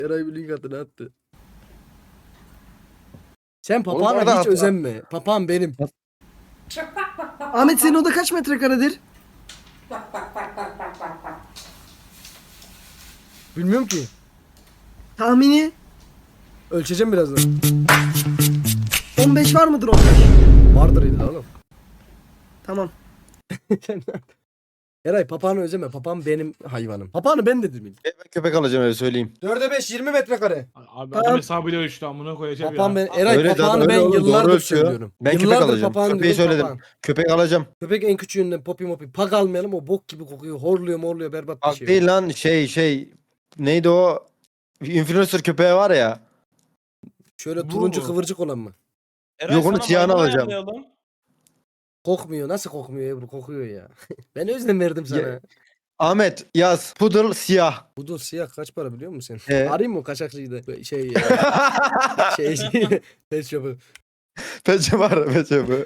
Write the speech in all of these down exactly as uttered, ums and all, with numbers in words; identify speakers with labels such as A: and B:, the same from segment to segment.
A: Eray bir link attı, ne attı? Sen
B: Oğlum
A: papağana
B: orada
A: hiç
B: at-
A: özenme. Papağan benim.
C: Ahmet senin oda kaç metrekaredir?
A: Bilmiyorum ki.
C: Tahmini
A: Ölçeceğim birazdan.
C: on beş var mıdır on beş?
A: Vardır illa oğlum.
C: Tamam.
A: Eray papağanı özeme. Papağan benim hayvanım. Papağanı ben dedim. ilk.
B: Ben köpek alacağım öyle söyleyeyim.
A: dörde beş yirmi metrekare.
D: Abi
C: Tamam.
D: adam hesabıyla ölçtü amına koyacağım
A: Papağan
D: ya.
A: ben. Eray
B: Öyle
A: papağanı
B: zaten,
A: ben
B: öyle oğlum, doğru
A: yıllardır
B: ölçüyor.
A: söylüyorum.
B: Ben köpek
A: Yıllardır
B: alacağım.
A: papağan
B: Köpeği
A: diyorum,
B: söyledim.
A: papağan.
B: Köpek alacağım.
A: Köpek en küçüğünden popi mopi. Pag almayalım, o bok gibi kokuyor. Horluyor morluyor, berbat bir
B: Bak
A: şey.
B: değil lan şey şey. Neydi o? Influencer köpeği var ya.
A: Şöyle
D: Bu
A: turuncu
D: mu?
A: kıvırcık olan mı?
E: Eray,
B: Yok, onu
E: sana
B: siyahını
E: maymun
B: alacağım.
E: ayarlayalım.
A: Kokmuyor. Nasıl kokmuyor Ebru? Kokuyor ya. Ben özlem verdim sana.
B: Ya- Ahmet yaz. Poodle siyah.
A: Bu da siyah kaç para biliyor musun sen?
B: Ee?
A: Arayayım mı kaçakçıydı? Şey ya. şey şey. Pet shop'u.
B: Peçe var peçe bu.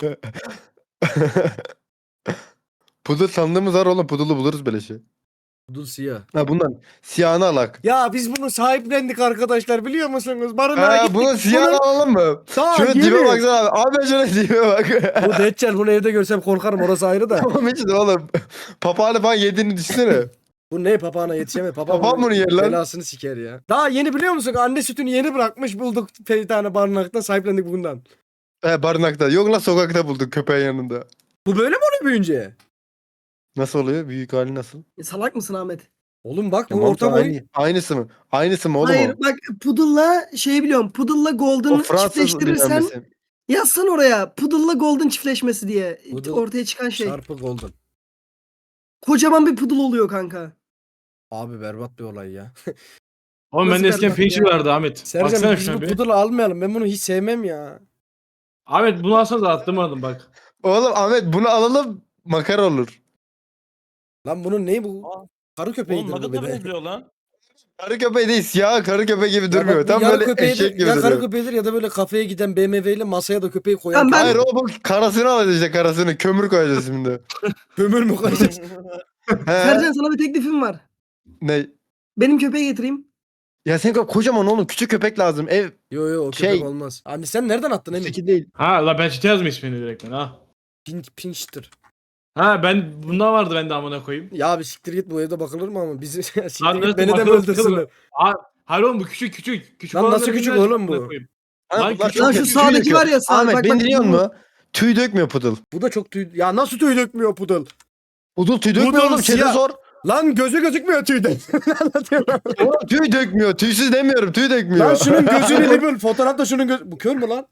B: Poodle sandığımız var oğlum. Poodle'u buluruz böyle şey.
A: Budul siyah.
B: Ha bundan. Siyahını alak.
A: Ya biz bunu sahiplendik arkadaşlar, biliyor musunuz? Barınağa
B: Ha
A: gittik.
B: bunun siyahını alalım mı?
A: Sağ
B: Şuna
A: yeni.
B: dibe baksana abi. Abi şuna dibe bak.
A: Bu Deccal, bunu evde görsem korkarım, orası ayrı da.
B: Tamam işte oğlum. Papağanı falan yediğini düşünsene.
A: Bu ne, papağana yetişemez. Papağan,
B: Papağan bunu yer lan.
A: belasını siker ya. Daha yeni, biliyor musun? Anne sütünü yeni bırakmış, bulduk bir tane barınakta, sahiplendik bundan.
B: He barınakta. Yok lan sokakta bulduk köpeğin yanında.
A: Bu böyle mi oluyor büyüyünce?
B: Nasıl oluyor? Büyük hali nasıl?
C: E, salak mısın Ahmet?
A: Oğlum bak, bu
B: Tamam,
A: orta boy.
B: aynı, aynısı mı? Aynısı mı oğlum
C: Hayır
B: o?
C: bak Poodle'la şey biliyorum. Poodle'la
B: O
C: Golden
B: Fransız
C: çiftleştirirsen
B: dinlenmesi.
C: yazsan oraya. Poodle'la Golden çiftleşmesi diye
A: Poodle
C: ortaya çıkan şey.
A: Çarpı golden.
C: Kocaman bir Poodle oluyor kanka.
A: Abi berbat bir olay ya.
D: Oğlum
C: Nasıl
D: bende eskiden
C: berbat ya?
D: Fincher vardı Ahmet.
A: Sercan,
D: Baksana
A: biz
D: şuna
A: bu
D: bir.
A: pudulu almayalım. Ben bunu hiç sevmem ya.
D: Ahmet bunu alsanız attırmadım bak.
B: Oğlum Ahmet bunu alalım makara olur.
A: Lan bunun neyi bu?
E: Aa,
A: Karı
E: Oğlum
A: köpeğidir
E: ne
A: bu
E: kadar
A: bir de.
E: benziyor lan.
B: Karı köpeği değil siyah karı köpeği gibi
A: Ya
B: durmuyor.
A: bak, bu
B: Tam
A: yarı
B: böyle
A: köpeğidir,
B: eşek gibi
A: ya karı
B: duruyor.
A: köpeğidir ya da böyle kafeye giden B M W ile masaya da köpeği koyan.
C: Tamam, ben-
B: Hayır o bu karasını alacağız işte karasını. Kömür koyacağız şimdi.
A: Kömür mü koyacağız?
B: He?
C: Sercan sana bir teklifim var.
B: Ne?
C: Benim köpeği getireyim.
B: Ya senin ko- kocaman oğlum küçük köpek lazım. Ev
A: Yo yo, o köpek
B: Şey-
A: olmaz. Anne sen nereden attın Emin?
B: Öteki değil.
D: Ha la ben çite yazdım ismini direkt ben ha.
A: Pink Pinkster.
D: Ha ben bundan vardı bende amına koyayım.
A: Ya bir siktir git, bu evde bakılır mı ama bizi siktir
D: Lan
A: git,
D: nasıl
A: beni de mi
D: bakılır,
A: öldürsünler?
D: bakılır? Ha, hayır oğlum bu küçük küçük. küçük
A: Lan
D: olanları
A: nasıl küçük
D: bilmez,
A: oğlum bu?
D: amına koyayım.
B: Ha,
D: Lan
B: bunlar
D: küçük-
B: çok
C: Lan şu
B: küçük
C: sağdaki
B: döküyor.
C: var ya, sağ-
B: Ahmet
C: bak,
B: beni
C: bak,
B: dinliyor
C: bu-
B: musun? Tüy dökmüyor pudul.
A: Bu da çok tüy... Ya nasıl tüy dökmüyor pudul?
B: Pudul tüy dökmüyor
A: Pudul
B: oğlum. Çete
A: siyah.
B: sor.
A: Lan gözü gözükmüyor tüyden. Ne anlatıyorsun lan?
B: Oğlum tüy dökmüyor. Tüysüz demiyorum. Tüy dökmüyor.
A: Lan şunun gözünü bir bul. Fotoğrafta şunun göz... Bu kör mü lan?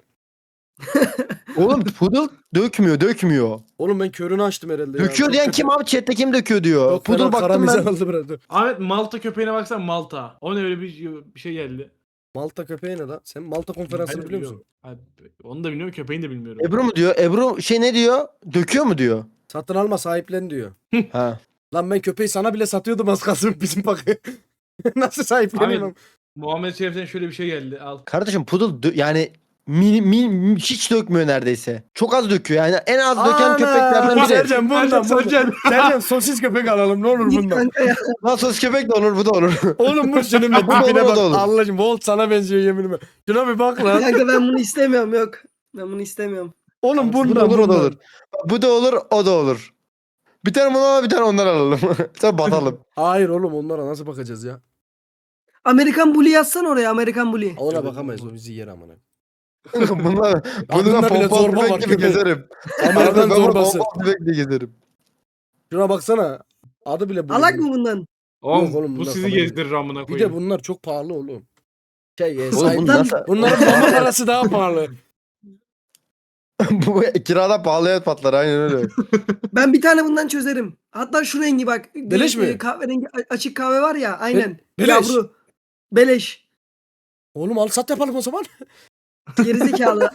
B: Oğlum pudul dökmüyor. Dökmüyor.
A: Oğlum ben körünü açtım herhalde ya.
B: Döküyor
A: Çok
B: diyen
A: kötü.
B: kim abi? Chat'te kim döküyor diyor.
A: Çok
B: Pudul
A: fena
B: baktım
A: karamizan
B: ben.
A: aldı biraz. Dur.
D: Ahmet Malta köpeğine baksana Malta. O ne öyle bir, bir şey geldi.
A: Malta köpeği ne lan? Sen Malta konferansını
D: Ben de
A: biliyor musun?
D: biliyorum. Ha, onu da bilmiyorum köpeğini de bilmiyorum.
B: Ebru mu diyor? Ebru şey ne diyor? Döküyor mu diyor?
A: Satın alma, sahiplen diyor.
B: Ha.
A: Lan ben köpeği sana bile satıyordum az kalsın bizim bakı. Nasıl sahipleniyorum?
D: Ahmet Muhammed Şerif'ten şöyle bir şey geldi al.
B: Kardeşim pudul dö- yani mi, mi- hiç dökmüyor neredeyse. Çok az döküyor. Yani en az döken köpeklerden biri.
A: Sercan bundan
D: Sercan,
A: bundan.
D: Sercan.
A: Sercan sosis köpek alalım ne olur
C: Git
A: bundan.
C: kanka ya.
B: Nasıl köpek de olur bu da olur.
A: Oğlum bu şunun bir
B: Bu da olur,
A: tipine
B: o
A: bak.
B: da olur.
A: Allah'ım Volt sana benziyor yeminime. Şuna bir bak lan.
C: Kanka ben bunu istemiyorum, yok. Ben bunu istemiyorum.
A: Oğlum
B: Bu da
A: bundan
B: olur o da
A: bundan.
B: olur. Bu da olur o da olur. Bir tane bunu al bir tane ondan alalım. Sen batalım.
A: Hayır oğlum, onlara nasıl bakacağız ya?
C: Amerikan Bully yazsan oraya, Amerikan Bully.
A: Ona
D: Evet,
A: bakamayız,
D: olur.
A: o bizi yer amına.
B: Bunlar,
A: Adında
B: bunlar
A: bile
B: pompalı
A: zorba var
B: tüfek gibi
A: köpeğin.
B: gezerim.
A: Amerikan
B: Ben bunu
A: zorbası.
B: pompalı tüfek diye gezerim.
A: Şuna baksana. Adı bile bu.
C: Alak mı bundan?
D: Oğlum,
A: Yok oğlum,
D: bu
A: bunlar
D: sizi
A: kabul
D: gezdirir amına
A: Bir
D: koyayım.
A: de bunlar çok pahalı oğlum. Şey, e,
B: Oğlum
A: sahip-
B: bunu
C: Lan-
B: nasıl?
A: bunların mama parası daha pahalı.
B: Bu kirada pahalıya patlar aynen öyle.
C: Ben bir tane bundan çözerim. Hatta şu rengi bak.
A: Beleş
C: e,
A: mi?
C: Kahverengi a- açık kahve var ya, aynen.
A: beleş.
C: Yavru. Beleş.
A: Oğlum al sat yapalım o zaman.
C: Gerizekalı.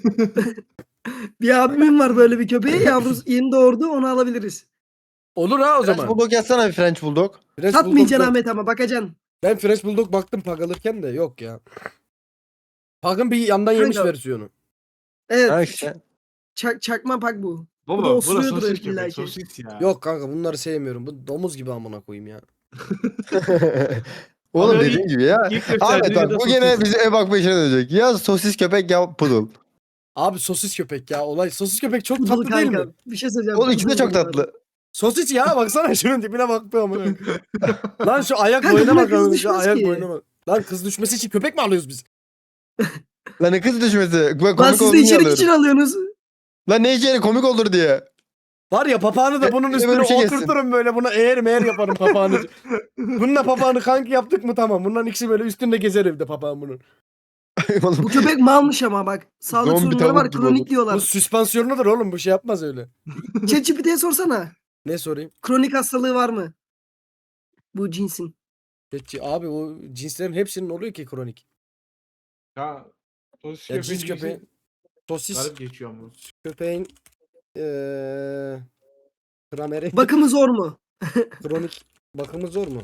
C: Bir abimin var böyle bir köpeği. Yavrusu yeni doğurdu, onu alabiliriz.
A: Olur ha o
B: French
A: zaman.
B: Bulldog yazsana bir French Bulldog.
A: French
C: Satmayacaksın
A: Bulldog-
C: Ahmet ama bakacaksın.
A: Ben French Bulldog baktım pag alırken de yok ya. Pag'ın bir yandan yemiş
C: Kanka.
A: versiyonu.
C: Evet.
B: Ha işte.
C: Çak, çakma pak bu. Bu
D: Baba
C: da
D: bu da
C: osuruyordur
D: sosis
C: illa
D: köpek
C: ki.
D: sosis ya.
A: Yok kanka, bunları sevmiyorum. Bu domuz gibi amına koyayım ya.
B: Oğlum
D: Ama
B: dediğim
D: ilk-
B: gibi ya.
D: ilk
B: Ahmet
D: gösterdiği
B: bak
D: ya da
B: bu gene
D: sosis.
B: bizi ev bakma işine dönecek. Ya sosis köpek ya pudul.
A: Abi sosis köpek ya olay. Sosis köpek çok
C: Pudul
A: tatlı değil
C: kanka.
A: mi?
C: Bir şey söyleyeceğim.
B: Oğlum ikisi de
C: pudul
B: çok
C: bu arada.
B: tatlı.
A: Sosis ya baksana şunun tipine bak be amına. Lan şu ayak
C: Kanka
A: boyuna
C: buna
A: bak.
C: kız
A: amına, Şu
C: düşmez
A: ayak
C: ki.
A: boyuna bak. Lan kız düşmesi için köpek mi alıyoruz biz?
B: Lan ne kız düşmesi. Ben
C: Lan
B: komik
C: siz de
B: olduğunu
C: içerik
B: alıyorum.
C: için alıyorsunuz.
B: Lan ne içeri komik olur diye.
A: Var ya papağanı da
B: E,
A: bunun
B: bir de
A: üstüne
B: böyle bir şey geçsin.
A: oturturum böyle buna eğer meğer yaparım papağanı. Bununla papağanı kanki yaptık mı tamam. Bunların ikisi böyle üstünde gezer evde papağan bunun.
B: Oğlum,
C: Bu köpek malmış ama bak. Sağlık
B: Zombi
C: sorunları
B: tavuk
C: var.
B: gibi
C: Kronik
B: olur.
A: Bu
C: diyorlar.
A: süspansiyonudur oğlum bu şey yapmaz öyle.
C: ChatGPT'ye sorsana.
A: Ne sorayım?
C: Kronik hastalığı var mı? Bu cinsin.
A: Geçi- Abi o cinslerin hepsinin oluyor ki kronik.
D: Ya sosis
A: Ya
D: köpeğin
A: cins köpeği,
D: cinsi
A: sosis
D: garip geçiyor ama.
A: köpeğin eee grameri
C: Bakımı zor mu?
A: kronik bakımı zor mu?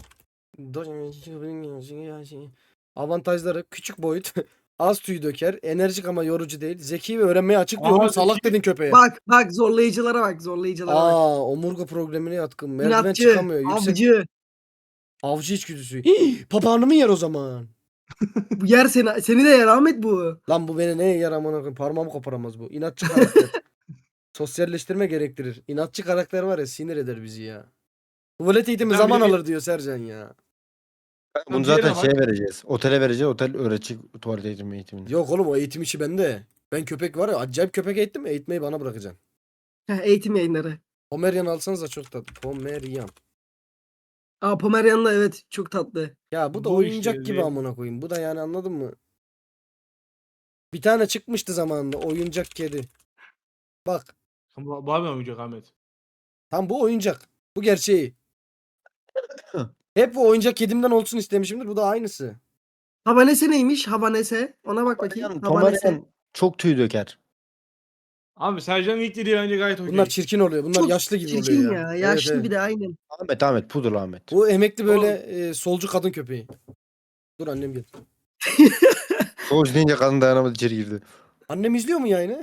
A: Avantajları küçük boyut, az tüy döker, enerjik ama yorucu değil, zeki ve öğrenmeye açık diyor.
D: Aa,
A: Oğlum salak
D: zeki.
A: dedin köpeğe.
C: Bak bak zorlayıcılara bak. Zorlayıcılara bak.
A: Aa, omurga problemine yatkın. Merdiven
C: İnatçı,
A: çıkamıyor. Yüksek
C: avcı.
A: avcı içgüdüsü. Hii, papağanı mı yer o zaman?
C: Bu yer seni, seni de yer Ahmet bu.
A: Lan bu beni neye yer amına koyayım? Parmağımı koparamaz bu. İnatçı karakter. Sosyalleştirme gerektirir. İnatçı karakter var ya sinir eder bizi ya. Tuvalet eğitimi
D: Ben
A: zaman
D: bile-
A: alır diyor Sercan ya.
B: Bunu
D: diğerine
B: zaten
D: bak.
B: şeye vereceğiz. Otele vereceğiz. Otel öğretecek tuvalet eğitimi eğitimini.
A: Yok oğlum o eğitim işi bende. Ben köpek var ya acayip köpek eğittim eğitmeyi bana bırakacaksın.
C: Heh, eğitim yayınları.
A: Pomerian alsanız da çok tatlı. Pomerian.
C: Aa Pomeryan da evet çok tatlı.
A: Ya bu da
D: Bu
A: oyuncak
D: işte,
A: gibi
D: değil.
A: amına koyayım. Bu da yani anladın mı? Bir tane çıkmıştı zamanında oyuncak kedi. Bak
D: Bu bu abi mi oynayacak Ahmet?
A: tam bu oyuncak. Bu gerçeği. Hep bu oyuncak kedimden olsun istemişimdir. Bu da aynısı.
C: Habanese neymiş? Habanese. Ona bak bakayım.
B: Pomerian,
C: Habanese.
B: Pomerian çok tüy döker.
D: Abi Sercan'ın ilk dediği bence gayet okey.
A: Bunlar çirkin oluyor. Bunlar
C: Çok
A: yaşlı gibi
C: çirkin
A: oluyor
C: ya.
A: ya.
C: Yaşlı
A: Evet,
C: bir
A: evet.
C: de aynen.
B: Ahmet Ahmet pudul Ahmet.
A: Bu emekli böyle e, solcu kadın köpeği. Dur annem gel.
B: Soğuş deyince kadın dayanamadı içeri girdi.
A: Annem izliyor mu yayını?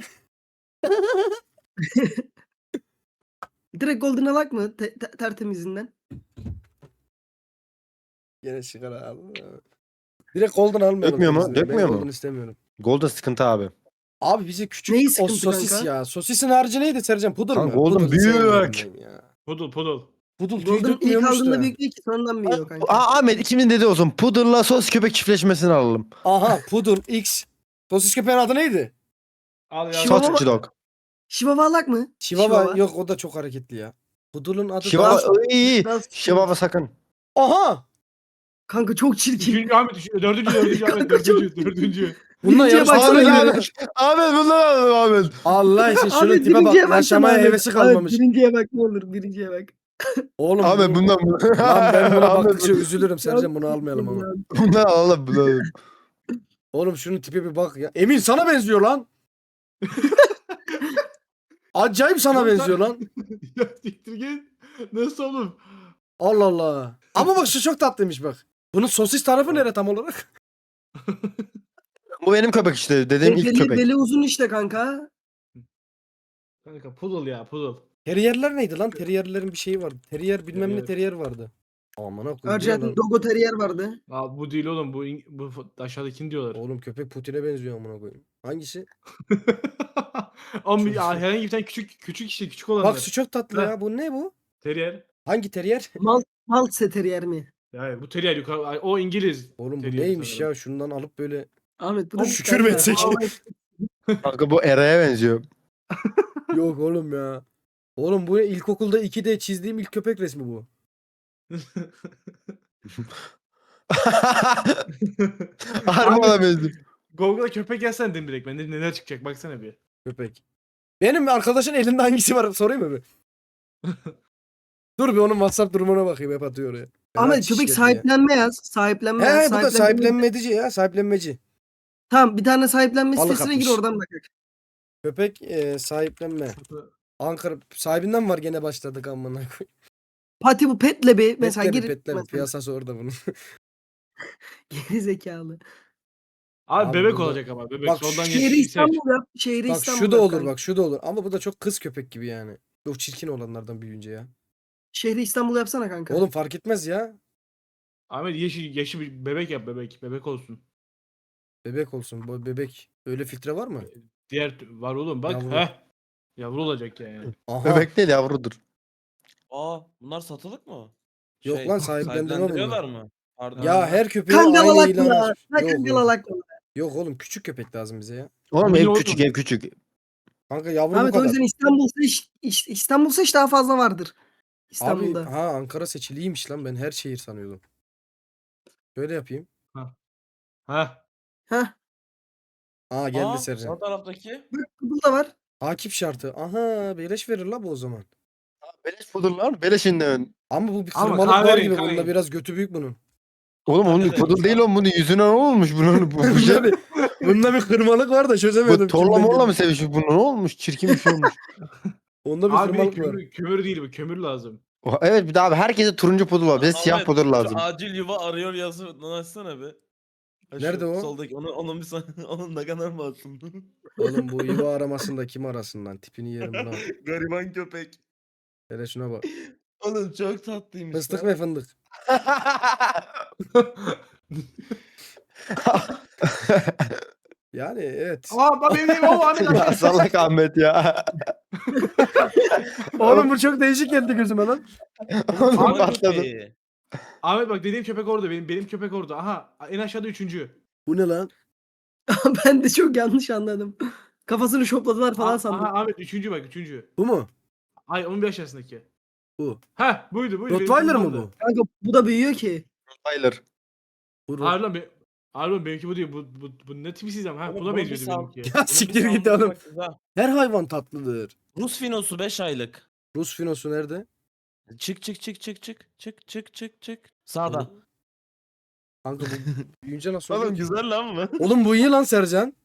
C: Direkt Golden Alak mı? Te- te- tertemizinden.
A: Yine sigara al. Direkt golden almayalım.
B: Dökmüyor mu?
A: temizliğini.
B: Dökmüyor
A: ben
B: mu?
A: golden istemiyorum.
B: Golden sıkıntı abi.
A: Abi bize küçük
C: Neyi
A: o
C: sıkıntı
A: sosis
C: kanka?
A: ya. Sosisin harici neydi Sercan? Pudul
B: Lan
A: mu?
B: golden
A: Pudul
B: büyük.
A: sevmiyorum ben ya.
D: Pudul pudul.
A: Pudul tüy
C: Golden ilk
A: dökmüyormuş
C: aldığında
A: da.
C: büyük değil ki sonradan büyüyor kanka.
B: Aa, Ahmet ikimizin dediği olsun. Pudulla sos köpek çiftleşmesini alalım.
A: Aha Pudul X. Sosis köpeğin adı neydi?
D: Al ya.
C: Chihuahua-
B: Sausage dog.
C: Chihuahua Alak mı?
A: Chihuahua. Yok o da çok hareketli ya. Pudul'un adı
B: Chihuahua
A: daha...
B: iyi iyi.
C: Biraz-
B: Chihuahua sakın.
A: Aha!
C: Kanka çok çirkin.
D: Üçüncü Ahmet, üçüncü, dördüncü, dördüncü Ahmet,
C: Kanka çok-
D: dördüncü, dördüncü.
A: Bununla
C: Birinciye
A: yarışmaya
C: baksana
B: Ahmet
C: ya.
A: girelim.
B: Ahmet. Ahmet bunları alalım Ahmet.
A: Allah için şunun
C: Ahmet
A: tipe bak.
C: birinciye baksana
A: Yaşamaya
C: Ahmet.
A: hevesi
C: Ahmet,
A: kalmamış.
C: birinciye bak ne olur birinciye bak.
A: Oğlum
B: Ahmet
A: bu-
B: bundan
A: Lan ben buna
B: Ahmet,
A: baktıkça üzülürüm Sercan bunu almayalım ama.
B: bundan alalım bunu alalım.
A: Oğlum şunun tipe bir bak ya. Emin sana benziyor lan. Acayip sana
D: Oğlum sen-
A: benziyor lan.
D: Ya siktir git. Nasıl oğlum?
A: Allah Allah. Ama bak şu çok tatlıymış bak. Bunun sosis tarafı nere tam olarak?
B: Bu benim köpek işte. Dediğim ilk
C: Beli,
B: köpek.
C: beli uzun işte kanka.
D: Kanka pudul ya pudul.
A: Terrierler neydi lan? Terrierlerin bir şeyi vardı. Terrier bilmem ne
D: Terrier.
A: terrier vardı. Aman koyayım. bu ne
C: Arjantin
A: lan?
C: Dogo Terrier vardı.
D: Abi bu değil oğlum bu İng- bu f- aşağıdakini diyorlar.
A: Oğlum köpek Putin'e benziyor amına koyayım. Hangisi?
D: Ama ya herhangi bir tane küçük küçük işte küçük olanlar.
A: Bak şu çok tatlı
D: Ha.
A: ya. Bu ne bu?
D: Terrier.
A: Hangi terrier?
C: Mal, Maltese Terrier mi?
D: Ya bu terrier yukarı ay, o İngiliz.
A: Oğlum bu
D: Terrier
A: neymiş
D: sanırım.
A: ya? Şundan alıp böyle
C: Ahmet bu da
A: Oğlum şükür mü etsek?
B: Kanka bu Era'ya benziyor.
A: Yok oğlum ya. Oğlum bu ne? İlkokulda ikide çizdiğim ilk köpek resmi bu.
B: Harbi ona benziyor.
D: Google'a köpek yazsan dedim direkt ben de neler çıkacak baksana bir.
A: Köpek. Benim arkadaşın elinde hangisi var sorayım mı bir? Dur bir onun WhatsApp durumuna bakayım hep atıyor oraya. Fena
C: Ahmet
A: çiş
C: köpek
A: yedi ya.
C: sahiplenme yaz. Sahiplenme
A: He
C: yaz.
A: bu da
C: Sahiplenme-
A: sahiplenmedici ya sahiplenmeci.
C: Tamam bir tane sahiplenme
A: Balık
C: sitesine gir
A: atmış.
C: oradan bak.
A: Köpek e, sahiplenme. Ankara sahibinden var gene başladık amına koyayım.
C: Pati bu petle bir mesela
A: Petle
C: gir.
A: mi petle mi?
C: mesela.
A: Piyasası orada bunun.
C: Geri zekalı.
D: Abi,
A: Abi
D: bebek
A: burada-
D: olacak ama bebek.
A: Bak
D: Soldan
A: şu-
C: Şehri
D: geç, seç.
C: İstanbul yap. Şehri
A: Bak
C: İstanbul
A: şu da
C: yap
A: olur
C: kanka.
A: bak şu da olur ama bu da çok kız köpek gibi yani. Çok çirkin olanlardan büyüyünce ya.
C: Şehri İstanbul yapsana kanka.
A: Oğlum fark etmez ya.
D: Ahmet yeşil yeşil bir bebek yap bebek. Bebek olsun.
A: Bebek olsun. Bu bebek. Öyle filtre var mı?
D: Diğer t- var oğlum bak.
A: Yavru.
D: Heh. Yavru olacak yani.
A: Aha.
B: Bebek değil yavrudur.
E: Aa bunlar satılık mı?
A: Yok
E: Şey,
A: lan, sahiplendirme bunlar.
E: sahiplendiriyorlar mı? Pardon.
A: Ya her köpeğe aynı
C: Kangalalak
A: ilan
C: mı?
A: aç.
C: Ha
A: Yok oğlum.
C: kangalalak mı?
A: Yok oğlum, küçük köpek lazım bize ya.
B: Oğlum
D: Mini
B: ev
D: olsun.
B: küçük ev küçük.
A: Kanka yavru bu
C: Ahmet o
A: kadar.
C: yüzden İstanbul'sa iş, iş- İstanbul'sa iş daha fazla vardır.
A: Abi
C: İstanbul'da.
A: ha, Ankara seçiliymiş lan, ben her şehir sanıyordum. Şöyle yapayım.
D: Heh.
C: Heh.
A: Aa geldi
E: Aa
A: Sercan.
E: sağ taraftaki.
C: Bak bu da var.
A: Takip şartı. Aha, beleş verir la bu o zaman.
B: Beleş budur lan. Beleşinden.
A: Ama bu bir
D: Ama
A: kırmalık var
D: kahverengi,
A: gibi. Bunda
D: kahverengi.
A: biraz götü büyük bunun.
B: Oğlum onun
E: Kahverengi
B: pudul değil
E: lan.
B: oğlum, bunun yüzüne ne olmuş bunun bu, bu, şey,
A: bunda, bir, bunda bir kırmalık var da çözemedim.
B: bu torla
A: kimden
B: morla
A: geldi.
B: mı sevişmiş bunu, ne olmuş, çirkin bir şey olmuş.
A: Onda bir
D: Abi
A: kırmalık var.
D: kömür, kömür değil bu. Kömür lazım.
B: Oha, evet bir daha abi herkese turuncu pudul var, bize siyah
E: Ahmet,
B: pudul
E: şu
B: lazım.
E: acil yuva arıyor yazı açsana be. Ha, şu
A: Nerede o?
E: Soldaki onu onun bir san- onun ne kadar mı atsın?
A: Oğlum bu yuva aramasında kim arasın lan? Tipini yerim buna.
E: Gariban köpek.
A: Hele şuna bak.
E: Oğlum çok tatlıymış
A: Fıstık
E: lan.
A: ve fındık. Yani evet.
D: Aa bak benim benim o Ahmet
B: Ya
D: Ahmet.
B: salak Ahmet ya.
A: Oğlum bu çok değişik geldi gözüme lan.
B: Oğlum
E: Gariban
B: patladı.
E: köpeği.
D: Ahmet bak dediğim köpek orada benim benim köpek orada. Aha en aşağıda üçüncü.
A: Bu ne lan?
C: Ben de çok yanlış anladım. Kafasını şopladılar falan
D: Aha,
C: sandım.
D: aha Ahmet üçüncü bak üçüncü.
A: Bu mu?
D: Ay onun bir aşağısındaki.
A: Bu.
D: Heh buydu buydu. benim
A: Rottweiler
D: köpeğim
A: mı
D: orada.
A: bu?
C: Kanka bu da büyüyor ki.
B: Tyler.
A: Bu Rot-
D: Hayır lan be. Hayır lan benimki bu değil. Bu, bu, bu ne tipsiz ama. Ha
E: Oğlum,
D: buna
E: bunun bir
D: benziyordu
E: sağ-
D: benimki.
A: Ya
E: bunun bir
A: siktir git
E: sağlığı
A: oğlum.
E: bak güzel.
A: Her hayvan tatlıdır.
E: Rus finosu beş aylık.
A: Rus finosu nerede?
E: Çık çık çık çık çık çık çık çık çık. Sağda.
A: Kanka bu büyüyünce nasıl oluyor
E: Oğlum
A: ki?
E: güzel lan bu.
A: Oğlum bu iyi lan Sercan.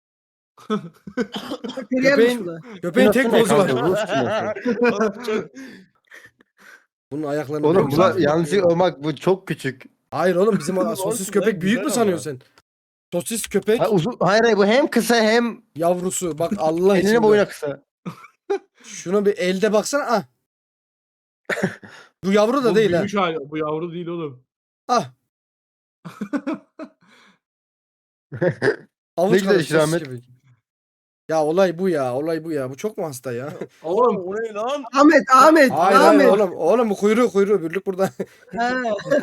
C: Teriyermiş
A: Köpeğin-
C: bu da.
A: Köpeğin tek
B: Finosu ne
A: bozu var.
B: kanka? Rus finosu.
E: Oğlum çok
A: Bunun ayaklarını
B: Oğlum
A: büyük
B: bu da
A: sanıyor.
B: yanlışlıkla olmak, bu çok küçük.
A: Hayır oğlum, bizim
E: Oğlum
A: sosis
E: olsun
A: köpek
E: lan,
A: büyük mü
E: güzel
A: sanıyorsun
E: ama.
A: sen? Sosis köpek
B: Ha, uzun, hayır hayır bu hem kısa hem
A: yavrusu. Bak Allah için.
B: enine
A: bak.
B: boyuna kısa.
A: Şuna bir elde baksana. Ah. Bu yavru da
D: Bu
A: değil ha.
D: büyümüş hali. Bu yavru değil oğlum.
A: Ah.
B: Ne
A: Avuç
B: güzel
A: kadar
B: işte
A: sosis
B: Ahmet.
A: köpek. Ya olay bu ya. Olay bu ya. Bu çok mu hasta ya?
D: Oğlum.
E: o ne lan?
C: Ahmet, Ahmet,
A: hayır
C: Ahmet.
A: hayır oğlum. Oğlum bu kuyruğu kuyruğu. Birlik burada.
C: Ha.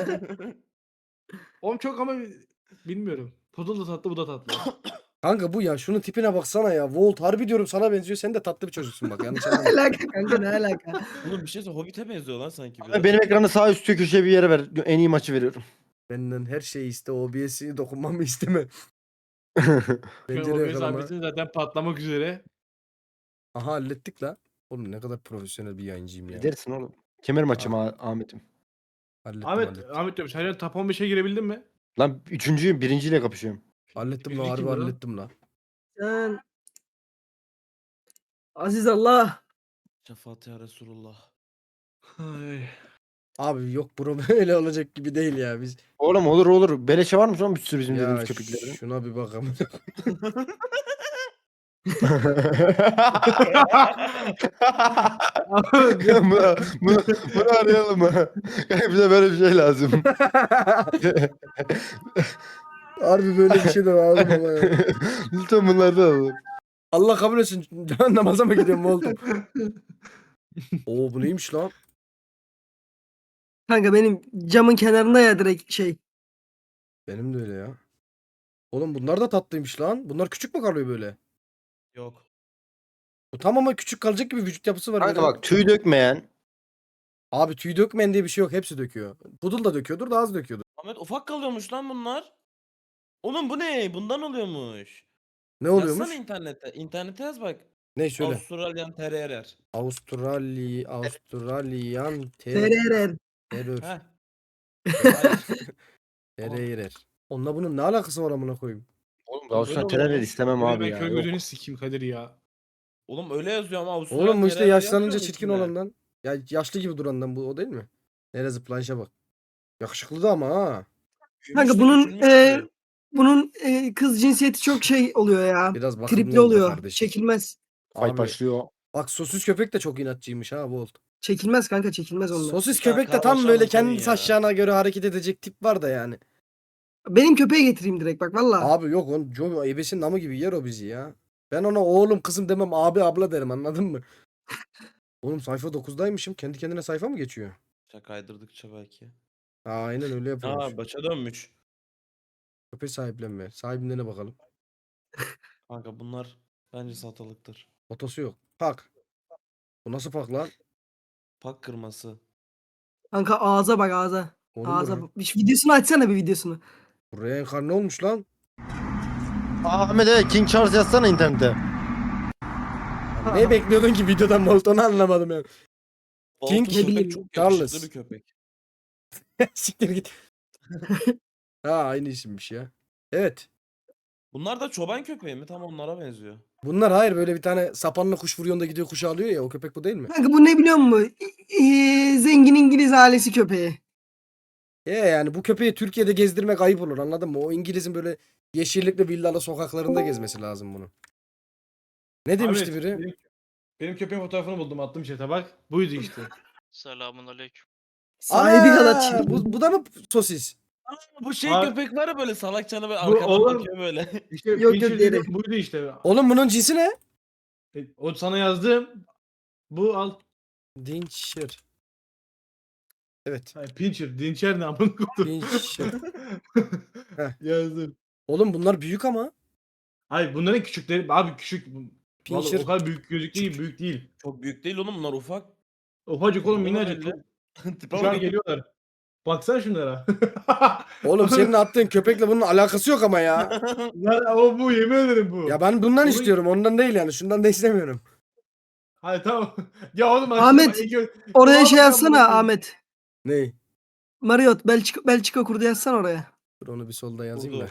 D: Oğlum çok ama bilmiyorum. Poodle da tatlı bu da tatlı.
A: Kanka bu ya. Şunun tipine baksana ya. Volt harbi diyorum sana benziyor. Sen de tatlı bir çocuksun bak. Yanlış
C: Ne
A: anlama.
C: alaka kanka, ne alaka?
E: Oğlum bir şey söyle Hobbit'e benziyor lan sanki biraz.
B: Abi benim ekranı sağ üst köşeye bir yere ver. En iyi maçı veriyorum.
A: Benden her şeyi iste. O B S'i dokunmamı isteme.
D: Ben
A: Pencere
D: o
A: yakalama.
D: mesabesin zaten patlamak üzere.
A: Aha hallettik la. Oğlum ne kadar profesyonel bir yayıncıyım ya.
B: Dersin oğlum. Kemer maçım Ah- Ahmet'im.
A: Hallettim
D: Ahmet,
A: hallettim.
D: Ahmet diyorum. Sen top on beşe girebildin mi?
B: Lan üçüncüyüm, birinciyle kapışıyorum.
A: Hallettim la,
D: Birinci
A: harbi
D: kim lan?
A: hallettim la.
C: Sen... Aziz Allah.
E: Şefaat ya Resulullah.
D: Ay.
A: Abi yok bro, böyle olacak gibi değil ya biz.
B: Oğlum olur olur. Beleşe var mı şu an bir sürü bizim
A: Ya
B: dediğimiz köpeklerin?
A: şuna bir bakalım.
B: bunu, bunu, bunu arayalım mı? Bize böyle bir şey lazım.
A: Harbi böyle bir şey de lazım ama ya.
B: Lütfen bunlardan alalım.
A: Allah kabul etsin. Namaza mı gidiyorum oldum? Oo bu neymiş lan?
C: Kanka benim camın kenarında ya direkt şey.
A: Benim de öyle ya. Oğlum bunlar da tatlıymış lan. Bunlar küçük mü kalıyor böyle?
E: Yok.
A: Bu tam ama küçük kalacak gibi vücut yapısı var.
B: Kanka
A: böyle.
B: bak tüy dökmeyen.
A: Abi tüy dökmeyen diye bir şey yok. Hepsi döküyor. Pudul da döküyordur da az döküyordur.
E: Ahmet ufak kalıyormuş lan bunlar. Oğlum bu ne? Bundan oluyormuş.
A: Ne oluyormuş?
E: Yazsana internette. İnternete yaz bak.
A: Ne söyle.
E: Avustralyan Terrier.
A: Avustrali Avustralyan ter
C: Tererer.
A: terör.
E: Heh. Hayır.
A: Tereyrer. Onunla bunun ne alakası var amına koyayım?
B: Oğlum
E: Öyle
B: Avustralya
E: oluyor
B: terör
E: lan.
B: istemem
D: Böyle
B: abi
D: ben
B: ya.
D: köy
B: Yok.
D: gözünü sikeyim Kadir ya.
E: Oğlum öyle yazıyor ama Avustralyan
A: Oğlum bu işte
E: Terrier
A: yaşlanınca
E: yazmıyor mu
A: çirkin
E: içinde?
A: olandan. Ya yaşlı gibi durandan bu o değil mi? Nereye zıplayışa bak. Yakışıklı da ama ha.
E: Büyümüş
C: Kanka
E: de
C: bunun
E: küçülmüş
C: e,
E: gibi.
C: bunun e, kız cinsiyeti çok şey oluyor ya.
A: Biraz bakımlı
C: Tripli
A: ol be
C: oluyor.
A: kardeşim.
C: Çekilmez.
B: Fight
A: Abi,
B: başlıyor.
A: bak sosis köpek de çok inatçıymış ha Volt.
C: Çekilmez kanka çekilmez onlar.
A: Sosis
E: Ya
A: köpek de tam
E: karmaşa
A: böyle
E: mı senin
A: kendisi
E: ya?
A: aşağına göre hareket edecek tip var da yani.
C: Benim köpeği getireyim direkt bak valla.
A: Abi yok on Joe ebesinin namı gibi yer o bizi ya. Ben ona oğlum kızım demem abi abla derim anladın mı? Oğlum sayfa dokuzdaymışım. Kendi kendine sayfa mı geçiyor?
E: Ya kaydırdıkça belki.
A: Aa, aynen öyle yapıyormuş.
E: Aa başa dönmüş.
A: Köpek sahiplenme. Sahibinden bakalım.
E: Kanka bunlar bence satılıktır.
A: Fotosu yok. Pak. Bu nasıl pak lan?
E: Pak kırması.
C: Kanka ağza bak ağza.
A: Oğlum
C: Ağza
A: bu,
C: bak. Bir videosunu açsana bir videosunu.
A: bu reenkarne olmuş lan.
B: Ahmet evet King Charles yazsana internete.
A: Ya ne bekliyordun ki videodan Bolt onu anlamadım yani. King
E: Baltı köpek
C: bileyim.
E: çok
A: Charles.
E: yakışıklı bir köpek.
A: Siktir git. Ha aynı isimmiş ya. Evet.
E: Bunlar da çoban köpeği mi? Tam onlara benziyor.
A: Bunlar hayır böyle bir tane sapanla kuş vuruyor da gidiyor kuşu alıyor ya o köpek bu değil mi?
C: Kanka bu ne biliyor musun? Ee, zengin İngiliz ailesi köpeği.
A: E yani bu köpeği Türkiye'de gezdirmek ayıp olur anladın mı? O İngiliz'in böyle yeşillikli villalı sokaklarında gezmesi lazım bunu. Ne demişti
D: Ahmet,
A: biri?
D: Benim, benim köpeğin fotoğrafını buldum attım chat'e bak. Buydu işte.
F: Selamun aleyküm.
C: Sahibi
A: Aa,
C: kadar çirkin.
A: bu, bu da mı sosis?
E: Aa, bu şey
D: Abi-
E: köpek var ya böyle salakçana böyle
D: Bu
E: arkadan
D: oğlum-
E: bakıyor böyle.
D: İşte
C: Yok, yok,
D: Pincher
C: diğeri.
D: dediğim buydu işte.
A: Oğlum bunun cinsi ne?
D: E, O sana yazdım. Bu al.
A: Dinçer. Evet.
D: Hayır, Pincher. Dinçer ne amına koydum.
A: Pincher. Heh.
D: Yazdım.
A: Oğlum bunlar büyük ama.
D: Hayır bunların küçükleri. Abi küçük. Vallahi
A: Pincher.
D: o kadar büyük gözük değil. Büyük değil.
E: Çok büyük değil oğlum bunlar ufak.
D: Ufacık oğlum
E: Bunlar
D: minnacık.
E: öyle.
D: Çok-
E: Tipe
D: Şu an
E: bak.
D: geliyorlar. Baksana şunlara.
A: Oğlum senin attığın köpekle bunun alakası yok ama ya.
D: Lan o bu yemin ederim bu.
A: Ya ben bundan
D: Onu-
A: istiyorum ondan değil yani. Şundan da istemiyorum.
D: Hayır tamam. Ya oğlum
C: Ahmet,
D: açtım, ilk ö-
C: Oraya
D: Tamam,
C: şey
D: ben
C: yazsana
D: bunu-
C: Ahmet.
A: Ney?
C: Marriott Belçika, Belçika kurdu yazsana oraya.
A: Dur onu bir solda yazayım da.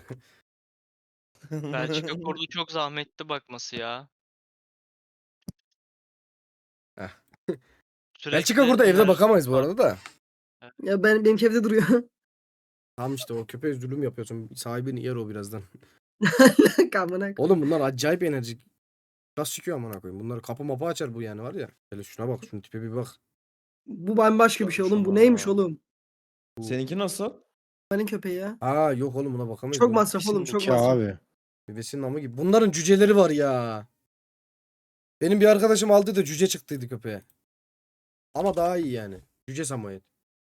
F: Belçika kurdu çok zahmetli bakması ya.
A: Heh.
F: Sürekli
A: Belçika burada evde
F: her-
A: bakamayız bu arada da.
C: Ya ben benimki evde duruyor.
A: Tamam işte o köpeğe zulüm yapıyorsun. Sahibini yer o birazdan.
C: Kamına.
A: Oğlum bunlar acayip enerjik. Nasıl çıkıyor amına koyayım. Bunlar kapı mapı açar bu yani var ya. Hele şuna bak şunun tipe bir bak.
C: Bu bambaşka bir şey oğlum. Bu
E: Şuna.
C: neymiş oğlum?
E: Seninki nasıl?
C: Benim köpeği ya.
A: Aa yok oğlum buna bakamayız.
C: Çok
A: Bu
C: masraf
A: pisin
C: oğlum, çok
B: Ya
C: masraf.
B: abi.
A: Bebesinin namı gibi. Bunların cüceleri var ya. Benim bir arkadaşım aldı da cüce çıktıydı köpeğe. Ama daha iyi yani. Cüce Samoyed.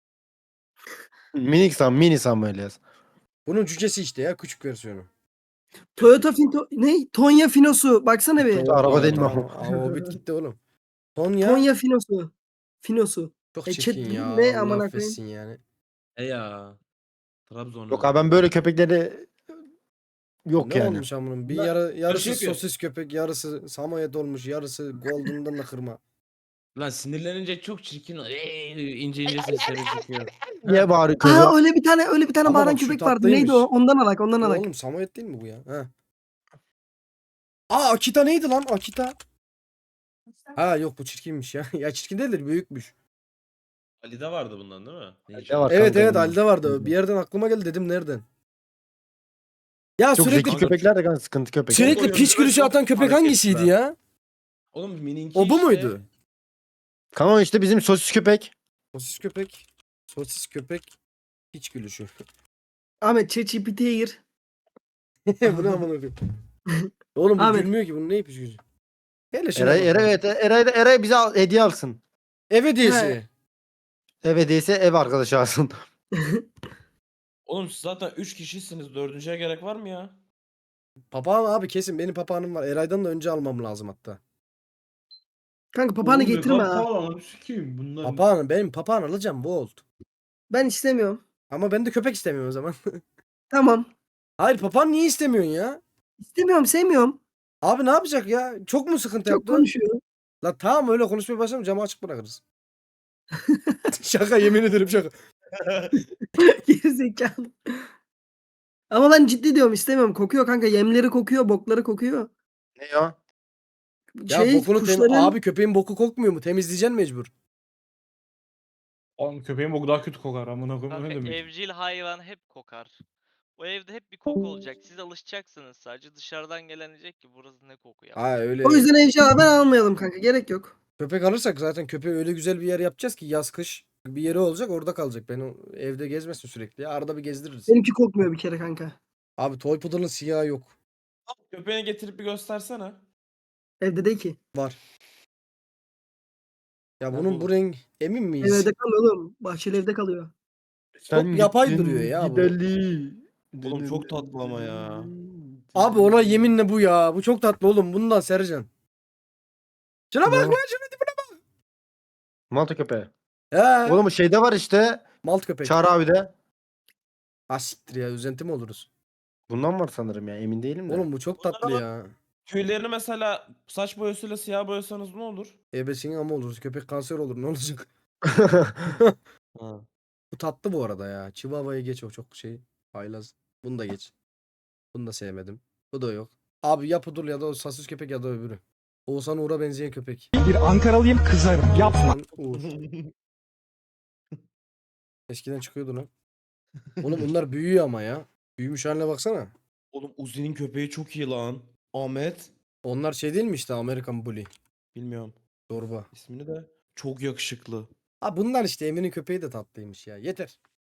B: Minik Sam, mini Samuel yaz.
A: Bunun cücesi işte ya küçük versiyonu.
C: Toyota Finto ne? Tonya Finosu. Baksana bir.
B: Toyota araba değil mi
A: Tamam,
B: o?
A: Aa, o bit gitti oğlum. Tonya
C: Tonya Finosu. Finosu.
A: çok
C: E,
A: çirkin
C: chat-
A: ya.
C: ne
A: Allah
C: amına
A: affetsin yani.
E: E ya. Trabzonlu.
B: Yok abi ben böyle köpekleri yok
A: Ne
B: yani.
A: olmuş amının? Bir
D: Bunlar
A: yarı, yarısı
E: şey yapıyor.
A: sosis köpek, yarısı Samoyed olmuş, yarısı Golden'dan da kırma.
E: Lan sinirlenince çok çirkin. Eee, ince ince sesleri çıkıyor.
B: Niye bağırıyor
C: Aa
B: köpek?
C: öyle bir tane öyle bir tane
A: Ama
C: bağıran
A: bak şu
C: köpek vardı.
A: tatlıymış.
C: Neydi o? Ondan alak, ondan
A: Bu
C: alak.
A: oğlum Samoyed değil mi bu ya? Ha. Aa Akita neydi lan? Akita. Ha yok bu çirkinmiş ya. Ya çirkin değildir büyükmüş.
E: Ali'de vardı bundan değil mi?
B: Ali'de var.
A: Evet
B: kanka
A: evet
B: bunun.
A: Ali'de vardı. Bir yerden aklıma geldi dedim nereden? Ya
B: Çok
A: sürekli
B: zeki köpekler de kanka sıkıntı köpek.
A: sürekli
E: Çok
A: piç gülüşü
E: çok
A: atan köpek
E: hareketli
A: hangisiydi
E: ha.
A: ya?
E: Oğlum mininki
A: O bu
E: işte.
A: muydu?
B: Kanka işte bizim sosis köpek.
A: Sosis köpek. Sosis köpek. Piç gülüşü.
C: Ahmet ChatGPT'ye gir.
A: Bu ne amına koyayım? Oğlum bu
C: Ahmet.
A: gülmüyor ki bunun ne piç gülüşü? Hele şuna
B: Eray,
A: bak
B: Eray,
A: ya.
B: evet, Eray, Eray bize al- hediye alsın.
A: Ev hediyesi.
C: He.
B: Ev hediyesi ev arkadaşı alsın.
E: Oğlum siz zaten üç kişisiniz. Dördüncüye gerek var mı ya?
A: Papağan abi kesin benim papağanım var. Eray'dan da önce almam lazım hatta.
C: Kanka papağanı
D: Oğlum ne
C: getirme
D: kadar
C: ha.
D: pahalı lan, sikeyim bunlar.
A: Papağanı benim papağan alacağım bu oldu.
C: Ben istemiyorum.
A: Ama ben de köpek istemiyorum o zaman.
C: Tamam.
A: Hayır papağan niye istemiyorsun ya?
C: İstemiyorum, sevmiyorum.
A: Abi ne yapacak ya? Çok mu sıkıntı
C: Çok
A: yaptı?
C: konuşuyor.
A: La tamam öyle konuşmaya başlayalım camı açık bırakırız. Şaka yemin ederim şaka.
C: Gerizekalı. Ama ben ciddi diyorum istemiyorum. Kokuyor kanka. Yemleri kokuyor, bokları kokuyor.
B: Ne ya?
A: Ya
C: Şey,
A: bokunu tem-
C: kuşların...
A: abi köpeğin boku kokmuyor mu? Temizleyeceksin mecbur.
D: Oğlum köpeğin boku daha kötü kokar amına koyayım.
F: Kanka
D: Ne demek?
F: evcil hayvan hep kokar. O evde hep bir koku olacak. Siz alışacaksınız sadece. Dışarıdan gelen diyecek ki burası ne koku ya.
A: Ha öyle.
C: O yüzden evcil hayvan almayalım kanka. Gerek yok.
A: Köpek alırsak zaten köpeği öyle güzel bir yer yapacağız ki yaz kış bir yeri olacak orada kalacak. Ben o evde gezmesin sürekli ya. Arada bir gezdiririz.
C: Benimki kokmuyor bir kere kanka.
A: Abi toy poodle'ın siyahı yok.
E: Köpeğini getirip bir göstersene.
C: Evde değil ki.
A: Var. Ya
E: Nerede
A: bunun bu
E: oğlum?
A: renk emin miyiz?
C: Evde kalıyor oğlum. Bahçeli evde kalıyor.
B: Sen
A: yapay
B: gittin
A: duruyor ya bu.
B: gideli.
E: Oğlum çok tatlı ama ya.
A: Abi ona yeminle bu ya. Bu çok tatlı oğlum. Bundan Sercan. Şuna bak
B: Ne?
A: lan şuna dibine.
B: Malta köpeği.
A: He.
B: Oğlum bu şeyde var işte.
A: Malt köpek.
B: Çağrı abi.
A: Ha siktir ya. Üzenti mi oluruz?
B: Bundan var sanırım ya emin değilim de.
A: Oğlum bu çok tatlı ya.
E: Tüylerini mesela saç boyasıyla siyah boyasanız ne olur?
A: Ebesinin ama oluruz. Köpek kanser olur. Ne olacak?
E: Ha.
A: Bu tatlı bu arada ya. Chihuahua'yı geç o çok şey. Haylaz. Bunu da geç. Bunu da sevmedim. Bu da yok. Abi ya Pudul ya da o sasus köpek ya da öbürü. Oğuzhan Uğur'a benzeyen köpek.
G: Bir Ankaralıyım kızarım. Yapma.
A: Oğuzhan Uğur. Eskiden çıkıyordu lan. Oğlum bunlar büyüyor ama ya. Büyümüş haline baksana.
E: Oğlum Uzi'nin köpeği çok iyi lan. Ahmet.
A: Onlar şey değil mi işte Amerikan Bully.
E: Bilmiyorum
A: Zorba.
E: ismini de. Çok yakışıklı.
A: Ha bunlar işte Emin'in köpeği de tatlıymış ya. Yeter.